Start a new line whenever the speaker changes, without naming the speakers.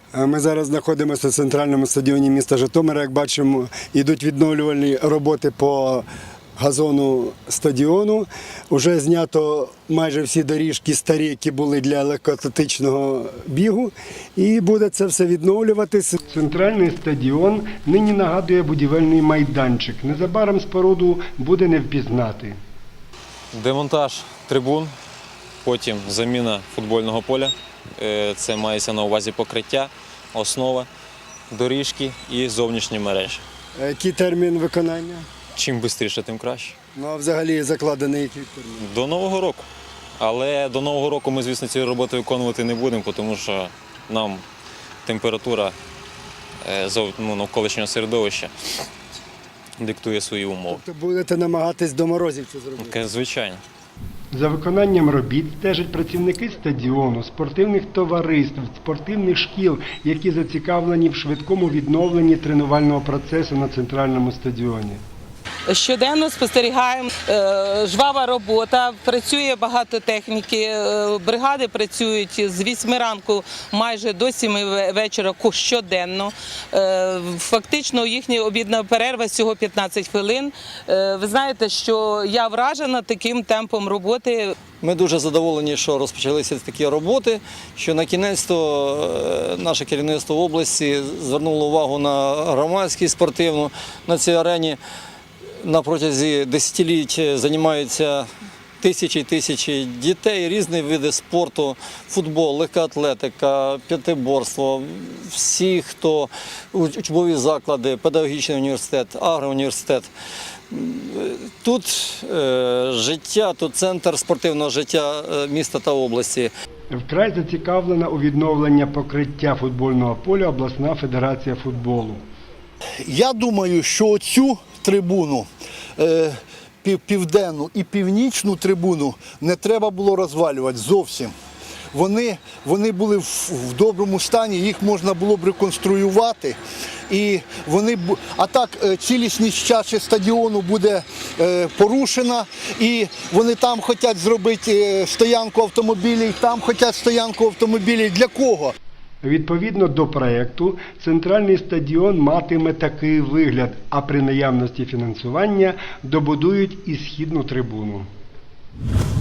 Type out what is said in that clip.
Ми зараз знаходимося на центральному стадіоні міста Житомира. Як бачимо, йдуть відновлювальні роботи по газону стадіону. Уже знято майже всі доріжки старі, які були для легкоатлетичного бігу. І буде це все відновлюватися. Центральний стадіон нині нагадує будівельний майданчик. Незабаром споруду буде не впізнати.
Демонтаж трибун, потім заміна футбольного поля. Це мається на увазі покриття, основа, доріжки і зовнішні мережі.
Який термін виконання?
Чим швидше, тим краще.
Ну, а взагалі закладений який термін?
До Нового року. Але до Нового року ми, звісно, ці роботи виконувати не будемо, тому що нам температура навколишнього середовища диктує свої умови.
Тобто будете намагатись до морозів це зробити?
Звичайно.
За виконанням робіт стежать працівники стадіону, спортивних товариств, спортивних шкіл, які зацікавлені в швидкому відновленні тренувального процесу на центральному стадіоні.
Щоденно спостерігаємо, жвава робота, працює багато техніки, бригади працюють з 8 ранку майже до 7 вечора щоденно. Фактично їхня обідна перерва всього 15 хвилин. Ви знаєте, що я вражена таким темпом роботи.
Ми дуже задоволені, що розпочалися такі роботи, що на кінець-то наше керівництво області звернуло увагу на громадськість спортивну на цій арені. На протязі десятиліть займаються тисячі і тисячі дітей, різні види спорту, футбол, легкоатлетика, п'ятиборство, всі, хто учбові заклади, педагогічний університет, агроуніверситет. Тут життя, тут центр спортивного життя міста та області.
Вкрай зацікавлена у відновленні покриття футбольного поля обласна федерація футболу.
Я думаю, що цю трибуну, південну і північну трибуну, не треба було розвалювати зовсім. Вони були в доброму стані, їх можна було б реконструювати. А так цілісність чаші стадіону буде порушена, і вони там хочуть зробити стоянку автомобілів, там хочуть стоянку автомобілів. Для кого?
Відповідно до проєкту, центральний стадіон матиме такий вигляд, а при наявності фінансування добудують і східну трибуну.